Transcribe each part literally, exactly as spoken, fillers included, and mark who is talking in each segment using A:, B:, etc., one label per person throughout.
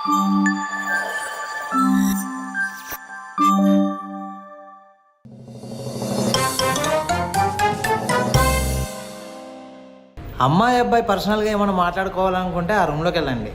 A: అమ్మాయి అబ్బాయి పర్సనల్గా ఏమైనా మాట్లాడుకోవాలనుకుంటే ఆ రూమ్లోకి వెళ్ళండి.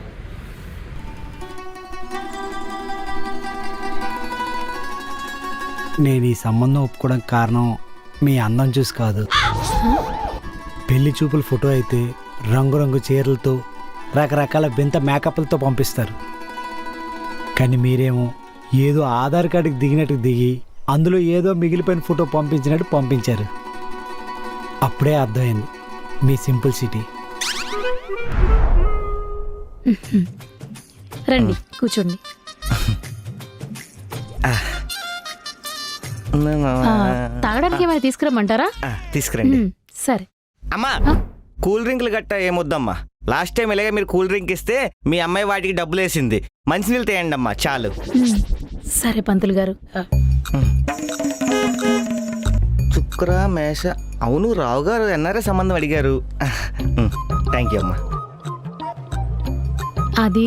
B: నేను ఈ సంబంధం ఒప్పుకోవడానికి కారణం మీ అందం చూసి కాదు. పెళ్లి చూపుల ఫోటో అయితే రంగురంగు చీరలతో రకరకాల వింత మేకప్లతో పంపిస్తారు. కానీ మీరేమో ఏదో ఆధార్ కార్డుకి దిగినట్టు దిగి అందులో ఏదో మిగిలిపోయిన ఫోటో పంపించినట్టు పంపించారు. అప్పుడే అర్థమైంది మీ సింపుల్ సిటీ.
C: రండి కూర్చోండి. తాగడానికి ఏమైనా తీసుకురమ్మంటారా?
D: తీసుకురండి.
C: సరే
D: అమ్మా, కూల్ డ్రింక్లు గట్ట ఏమొద్దమ్మా. లాస్ట్ టైం ఇలాగే మీరు కూల్ డ్రింక్ ఇస్తే మీ అమ్మాయి వాటికి డబ్బులు వేసింది. మంచినీళ్ళు తేయండి అమ్మా, చాలు.
C: సరే పంతులు గారు.
D: చుక్ర మేష, అవును రావు గారు ఎన్ఆర్ఐ సంబంధం అడిగారు. థ్యాంక్ యూ అమ్మా.
C: అది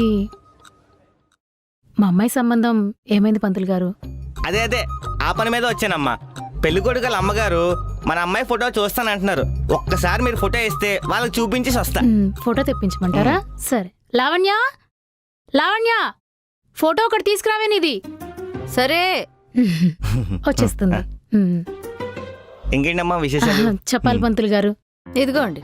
C: మా అమ్మాయి సంబంధం ఏమైంది పంతులు గారు?
D: అదే అదే ఆ పని మీద వచ్చానమ్మా. పెళ్లి కొడుకుల అమ్మగారు మన అమ్మాయి ఫోటో చూస్తానంటున్నారు. ఒక్కసారి మీరు ఫోటో ఇస్తే వాళ్ళకి చూపించేసి వస్తా.
C: ఫోటో తెప్పించమంటారా? సరే. లావణ్య, లావణ్య, ఫోటో ఒకటి తీసుకురావే నీది.
E: సరే
C: వచ్చేస్తుంది.
D: ఇంకేంటమ్మా విశేషాలు?
C: చెప్పాలి పంతులు గారు.
E: ఇదిగోండి.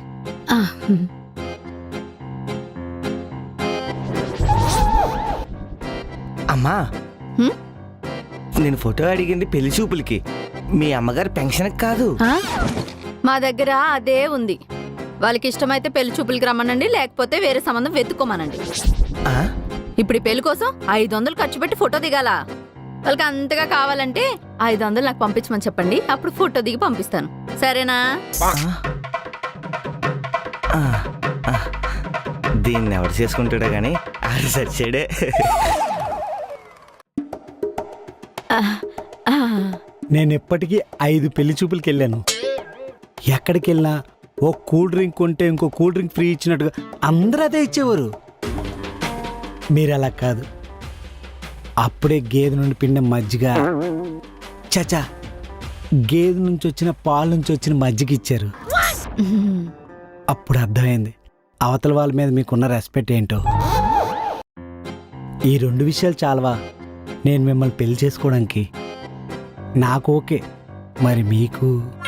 D: అమ్మా, నేను ఫోటో అడిగింది పెళ్లి చూపులకి, మీ అమ్మగారి పెన్షన్కి కాదు.
E: మా దగ్గర అదే ఉంది. వాళ్ళకి ఇష్టమైతే పెళ్లి చూపులకి రమ్మనండి, లేకపోతే వేరే సంబంధం వెతుక్కోమనండి. ఇప్పుడు ఈ పెళ్లి కోసం ఐదు వందలు ఖర్చు పెట్టి ఫోటో దిగాల. వాళ్ళకి అంతగా కావాలంటే ఐదు వందలు నాకు పంపించమని చెప్పండి, అప్పుడు ఫోటో దిగి పంపిస్తాను. సరేనా?
D: దీన్ని ఎవరు చేసుకుంటాడో గానీ ఆరు సరిచేడే.
B: నేను ఎప్పటికీ ఐదు పెళ్లి చూపులకి వెళ్ళాను. ఎక్కడికి వెళ్ళినా ఓ కూల్ డ్రింక్ కొంటే ఇంకో కూల్ డ్రింక్ ఫ్రీ ఇచ్చినట్టుగా అందరూ అదే ఇచ్చేవారు. మీరు అలా కాదు. అప్పుడే గేదె నుండి పిండిన మజ్జిగ, చచా గేదె నుంచి వచ్చిన పాల నుంచి వచ్చిన మజ్జిగ ఇచ్చారు. అప్పుడు అర్థమైంది అవతల వాళ్ళ మీద మీకున్న రెస్పెక్ట్ ఏంటో. ఈ రెండు విషయాలు చాలవా నేను మిమ్మల్ని పెళ్లి చేసుకోవడానికి? నాకు ఓకే, మరి మీకు?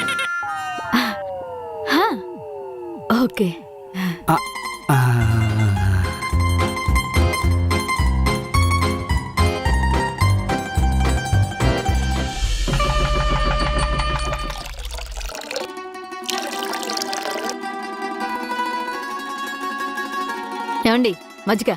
E: ఓకే. ఏమండి మజ్జిగ?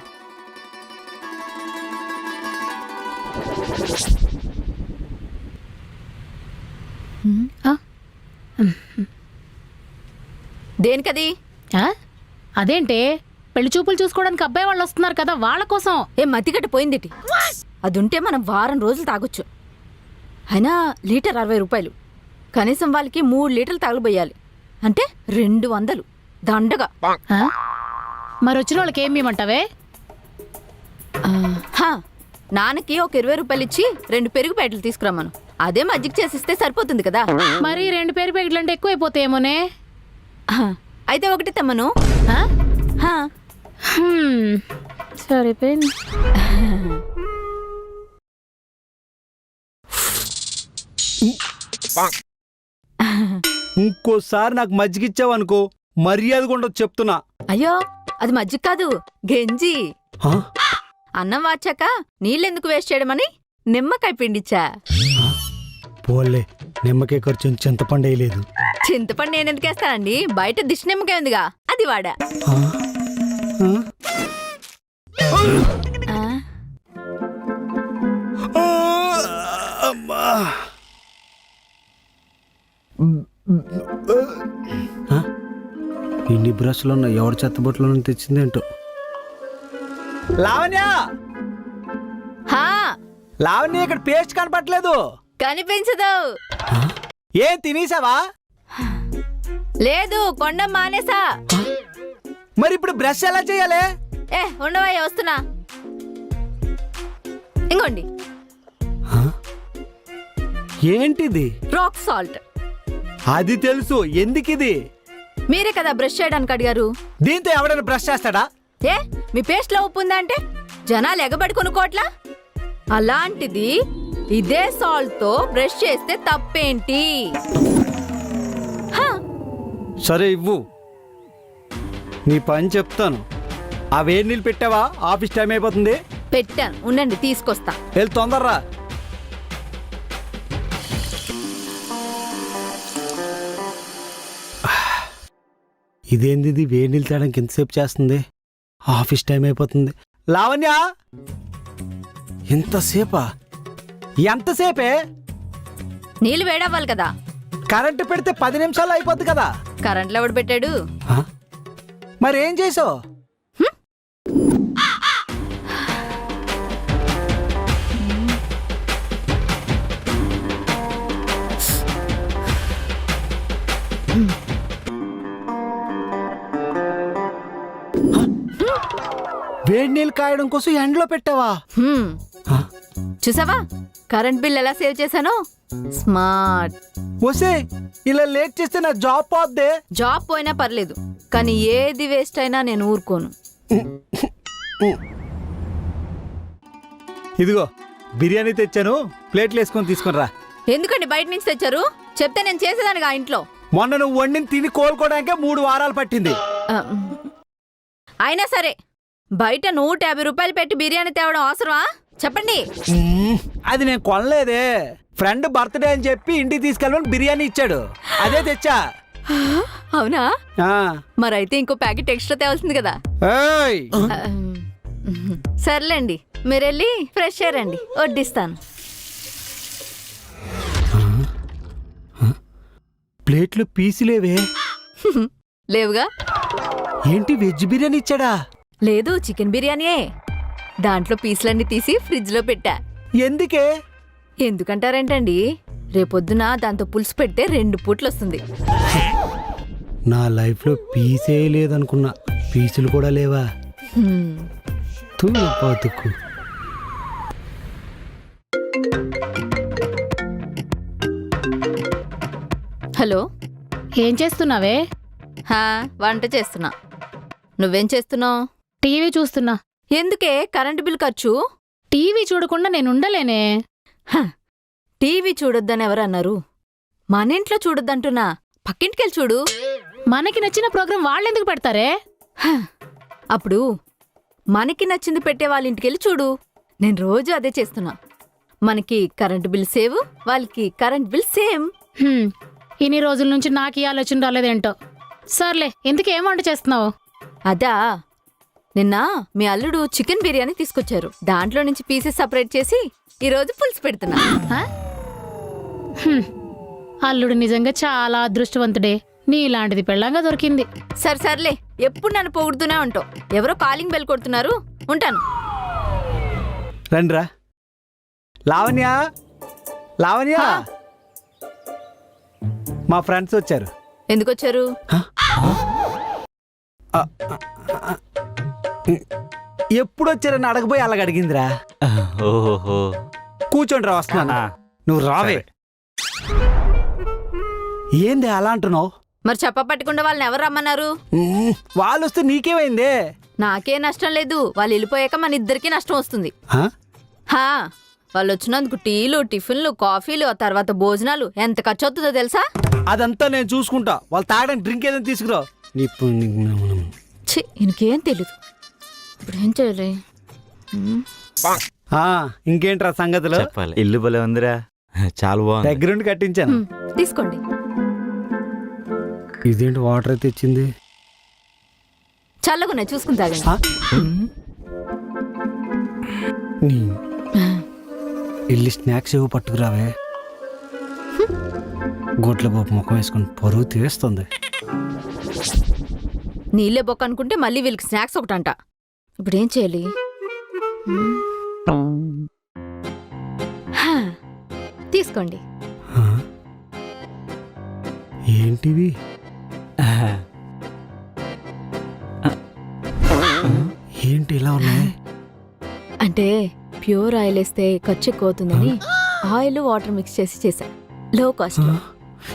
E: దేనికది?
C: అదేంటే పెళ్లి చూపులు చూసుకోవడానికి అబ్బాయి వాళ్ళు వస్తున్నారు కదా, వాళ్ళ కోసం.
E: ఏ మతిగట్ట పోయిందిటి. అదుంటే మనం వారం రోజులు తాగొచ్చు. అయినా లీటర్ అరవై రూపాయలు. కనీసం వాళ్ళకి మూడు లీటర్లు తాగబోయాలి అంటే రెండు వందలు దండగా.
C: మరి వచ్చిన వాళ్ళకి ఏం ఇవ్వమంటావే?
E: నాన్నకి ఒక ఇరవై రూపాయలు ఇచ్చి రెండు పెరుగు ప్యాకెట్లు తీసుకురమ్మను. అదే మజ్జిగ చేసిస్తే సరిపోతుంది కదా.
C: మరి రెండు పెరుగు ప్యాకెట్లు అంటే ఎక్కువైపోతాయేమోనే.
E: అయితే ఒకటి తెమ్మను.
C: సరిపోయింది.
B: ఇంకోసారి నాకు మజ్జిగ ఇచ్చావనుకో మర్యాద ఉండదు చెప్తున్నా.
E: అయ్యో అది మజ్జిగ కాదు, గెంజి. అన్నం వాచాక నీళ్ళెందుకు వేస్ట్ చేయడమని నిమ్మకాయ పిండిచ్చా.
B: పోలే, నిమ్మకాయ ఖర్చు చింతపండు వేయలేదు.
E: చింతపండు నేను ఎందుకు వేస్తానండి, బయట దిష్టి నిమ్మకాయ ఉందిగా అది వాడా.
B: ఇన్ని బ్రష్లు ఉన్న ఎవరి చెత్తబొట్లో తెచ్చిందేంటో. లావణ్య, లావణ్య ఇక్కడ పేస్ట్ కనపట్లేదు.
E: కనిపించదు.
B: ఏం తినేసావా?
E: లేదు, కొండ మానేసా.
B: మరి ఇప్పుడు బ్రష్ ఎలా చేయాలి?
E: ఏ ఉండవా, వస్తున్నా. ఇంకోండి
B: ఆ? ఏంటిది?
E: Rock salt.
B: అది తెలుసు, ఎందుకిది?
E: మీరే కదా బ్రష్ చేయడానికి అడిగారు.
B: దీంతో ఎవడైనా బ్రష్ చేస్తాడా?
E: ఏ మీ పేస్ట్ లో ఉప్పు ఉందా అంటే జనాలు ఎగబడి కొనుక్కోట్లా? అలాంటిది ఇదే సాల్ట్ తో బ్రష్ చేస్తే తప్పేంటి? హా,
B: సరే ఇవ్వు, నీ పని చెప్తాను. ఆ వేడి నీళ్ళు పెట్టావా? ఆఫీస్ టైం అయిపోతుంది.
E: పెట్టాను, ఉండండి తీసుకొస్తా.
B: వెళ్ళి తొందరరా. ఇదేంది ఇది వేడి నీళ్ళు తేడానికి ఎంతసేపు చేస్తుంది? ఆఫీస్ టైం అయిపోతుంది. లావణ్య, ఎంతసేపా? ఎంతసేపే?
E: నీళ్ళు వేడవ్వాలి కదా.
B: కరెంటు పెడితే పది నిమిషాలు అయిపోద్ది కదా.
E: కరెంట్లో ఎవడు పెట్టాడు?
B: ఆ? మరేం చేసావు? వేడి నీళ్ళు కాయడం కోసం ఎండలో పెట్టావా?
E: హ్మ్,
B: ఆ?
E: చూసావా కరెంట్ బిల్ ఎలా సేవ్ చేశానో? స్మార్ట్.
B: వసే, ఇలా లేట్ చేస్తే నా జాబ్ పోద్దే.
E: జాబ్ పోయినా పర్లేదు, కానీ ఏది వేస్ట్ అయినా నేను ఊరుకోను.
B: ఇదిగో బిర్యానీ తెచ్చాను, ప్లేట్లు వేసుకొని తీసుకొని రా.
E: ఎందుకండి బయట నుంచి తెచ్చారు? చెప్తే నేను చేసేదానిగా ఇంట్లో.
B: మొన్న నువ్వు వండిని తిని కోలుకోవడానికే మూడు వారాలు పట్టింది.
E: ఆ, అయినా సరే బయట నూట యాభై రూపాయలు పెట్టి బిర్యానీ తేవడం అవసరమా చెప్పండి?
B: మ్మ్, అది నేను కొనలేదే. ఫ్రెండ్ బర్త్డే అని చెప్పి ఇంటికి తీసుకెళ్ళమని బిర్యానీ ఇచ్చాడు, అదే తెచ్చా.
E: అవునా?
B: ఆ.
E: మరైతే ఇంకో ప్యాకెట్ ఎక్స్ట్రా తేవాల్సింది కదా.
B: ఏయ్!
E: ఆ, సర్లేండి, మీరెళ్ళి ఫ్రెష్ అయ్యారండి, వడ్డిస్తాను.
B: ప్లేట్లో పీసులేవే.
E: లేవుగా?
B: ఏంటి వెజ్ బిర్యానీ ఇచ్చాడా?
E: లేదు, చికెన్ బిర్యానీయే. దాంట్లో పీసులన్నీ తీసి ఫ్రిడ్జ్ లో పెట్టా.
B: ఎందుకే?
E: ఎందుకంటారేంటండి, రేపొద్దున దాంతో పులుసు పెడితే రెండు పూట్లు వస్తుంది.
B: నా లైఫ్లో పీసే లేదనుకున్నా, పీసులు కూడా లేవా?
E: హ్మ్.
B: తూ బతుకు.
E: హలో,
C: ఏం చేస్తున్నావే?
E: హా వంట చేస్తున్నా. నువ్వేం చేస్తున్నావు?
C: టీవీ చూస్తున్నా.
E: ఎందుకే కరెంటు బిల్ ఖర్చు?
C: టీవీ చూడకుండా నేను ఉండలేనే.
E: హ, టీవీ చూడొద్దని ఎవరన్నారు? మన ఇంట్లో చూడొద్దంటున్నా, పక్కింటికెళ్ళి చూడు.
C: మనకి నచ్చిన ప్రోగ్రాం వాళ్ళెందుకు పెడతారే?
E: హ, అప్పుడు మనకి నచ్చింది పెట్టే వాళ్ళ ఇంటికెళ్ళి చూడు. నేను రోజు అదే చేస్తున్నా. మనకి కరెంటు బిల్ సేవ్, వాళ్ళకి కరెంట్ బిల్ సేమ్.
C: హ్మ్, ఇన్ని రోజుల నుంచి నాకు ఈ ఆలోచన రాలేదేంటో. సర్లే, ఎందుకు ఏం వంట చేస్తున్నావు?
E: అదా, నిన్న మీ అల్లుడు చికెన్ బిర్యానీ తీసుకొచ్చారు. దాంట్లో నుంచి పీసెస్ సపరేట్ చేసి ఈరోజు పులుసు పెడుతున్నా.
C: ఆ? హ్మ్, అల్లుడు నిజంగా చాలా అదృష్టవంతుడే. నీలాంటిది పెళ్ళంగా దొరికింది.
E: సరే సర్లే, ఎప్పుడు నన్ను పొగుడుతూనే ఉంటావు. ఎవరో కాలింగ్ బెల్ కొడుతున్నారు, ఉంటాను.
B: రండిరా. లావణ్య, లావణ్య,
E: హా?
B: మా ఫ్రెండ్స్ వచ్చారు.
E: ఎందుకు వచ్చారు?
B: ఎప్పుడు వచ్చారని అడగబోయి అలాగ అడిగిందిరా.
D: ఓహో,
B: కూర్చోండి రా, వస్తున్నా. నువ్వు రావే. ఏంది అలా అంటున్నావు?
E: మరి చెప్ప పట్టకుండా వాళ్ళని ఎవరు రమ్మన్నారు?
B: మ్మ్, వాళ్ళు వస్తే నీకేమైందే?
E: నాకే నష్టం లేదు, వాళ్ళు వెళ్ళిపోయాక మన ఇద్దరికీ నష్టం వస్తుంది.
B: ఆ?
E: హా, వాళ్ళు వచ్చినందుకు టీలు, టిఫిన్లు, కాఫీలు, ఆ తర్వాత భోజనాలు ఎంత ఖర్చు అవుతుందో తెలుసా?
B: అదంతా నేను చూసుకుంటా. వాళ్ళు తాగడానికి డ్రింక్ ఏదైనా తీసుకురా.
E: ఛీ, ఇంకేం తెలీదు. ఇప్పుడు ఏం చేయాలి? హ్మ్.
B: ఆ, ఇంకేంట్రా సంగతులు?
D: చెప్పాలి. ఇల్లు భలే ఉందిరా, చాలా బాగుంది.
B: దగ్గరుండి కట్టించాను.
E: హ్మ్, తీసుకోండి.
B: ఇదేంటి వాటర్ అయితే ఇచ్చింది?
E: చల్లగున్నాయి, చూసుకుని తాగండి.
B: ఆ? నీ వెళ్ళి స్నాక్స్ ఏవో పట్టుకురావే. గోట్ల బాబు ముఖం వేసుకుని పరువు తీస్తుంది.
E: నీళ్ళే బొక్క అనుకుంటే మళ్ళీ వీళ్ళకి స్నాక్స్ ఒకటంట. ఇప్పుడు ఏం చేయాలి? హ్మ్. హా, తీసుకోండి.
B: ఆ? ఏంటివి? ఏంటి ఇలా ఉన్నాయి?
E: అంటే ప్యూర్ ఆయిల్ వేస్తే ఖర్చు ఎక్కువ అవుతుందని ఆయిల్ వాటర్ మిక్స్ చేసి చేశా లో కాస్ట్ లో.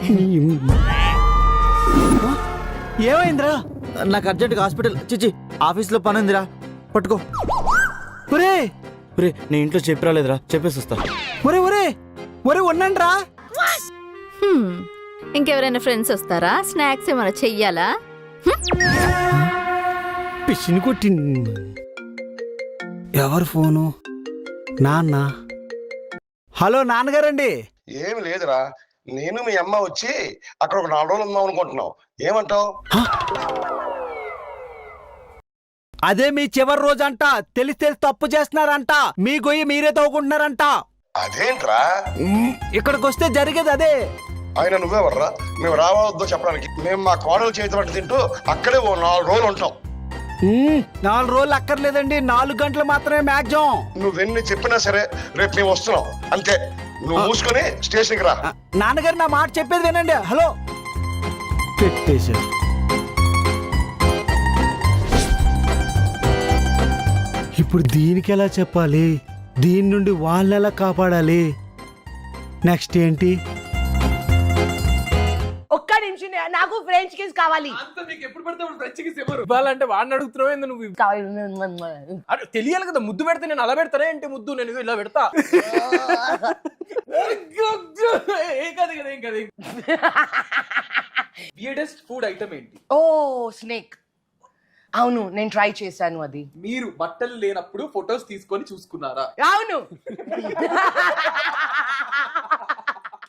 B: ఏమైందిరా?
A: నాకు అర్జెంట్గా హాస్పిటల్ చిచి ఆఫీస్లో పని ఉందిరా, పట్టుకో.
B: ఒరే
A: రే నేను ఇంట్లో చెప్పి రాలేదురా, చెప్పేసి వస్తా.
B: ఒరే ఒరే ఒరే ఉన్నాండ్రా.
E: హ్మ్. ఇంకెవరైనా ఫ్రెండ్స్ వస్తారా? స్నాక్స్ ఏమైనా చెయ్యాలా?
B: పిచ్చిని కొట్టి. ఎవరు ఫోను? నాన్న. హలో నాన్నగారండి.
F: ఏమి లేదురా, నేను మీ అమ్మ వచ్చి అక్కడ ఒక నాలుగు రోజులు ఉందాం అనుకుంటున్నాం. ఏమంటావు?
B: అదే మీ చివరి రోజు అంట. తెలిసి తెలిసి తప్పు చేస్తున్నారంట. మీ గొయ్యి మీరే తవ్వుకుంటున్నారంట.
F: అదేంట్రా?
B: ఇక్కడికి వస్తే జరిగేది అదే.
F: ఆయన నువ్వెవర్రా మేము రావద్దో చెప్పడానికి? మేము మా కోడలు చేతి వంట తింటూ అక్కడే ఓ నాలుగు రోజులు ఉంటాం.
B: ఉమ్, నాలుగు రోజులు అక్కర్లేదండి, నాలుగు గంటలు మాత్రమే మ్యాక్సిమం.
F: నువ్వెన్ని చెప్పినా సరే రేపు మేము వస్తున్నాం అంతే. నువ్వు మూసుకొని స్టేషన్కి రా.
B: నాన్నగారు నా మాట చెప్పేది వినండి. హలో పెట్టేశారు. ఇప్పుడు దీనికి ఎలా చెప్పాలి? దీని నుండి వాళ్ళని ఎలా కాపాడాలి? నెక్స్ట్ ఏంటి?
G: ఒక్క నిమిషం, నాకు ఫ్రెంచ్ కిస్ కావాలి.
H: మీకు ఎప్పుడు పడితే ఫ్రెంచ్ కిస్ ఎవరు ఇవ్వాలంటే వాడిని అడుగుతున్నావు ఏంది నువ్వు? అరే తెలియాలి కదా, ముద్దు పెడితే నేను అలా పెడతానే ఏంటి? ముద్దు నేను ఇలా పెడతా. ఏం కాదు కదా, ఏం కాదు. వియర్డెస్ట్ ఫుడ్ ఐటమ్ ఏంటి?
G: Oh snake. అవును, నేను ట్రై చేశాను అది.
H: మీరు బట్టలు లేనప్పుడు ఫొటోస్ తీసుకొని చూసుకున్నారా?
G: అవును.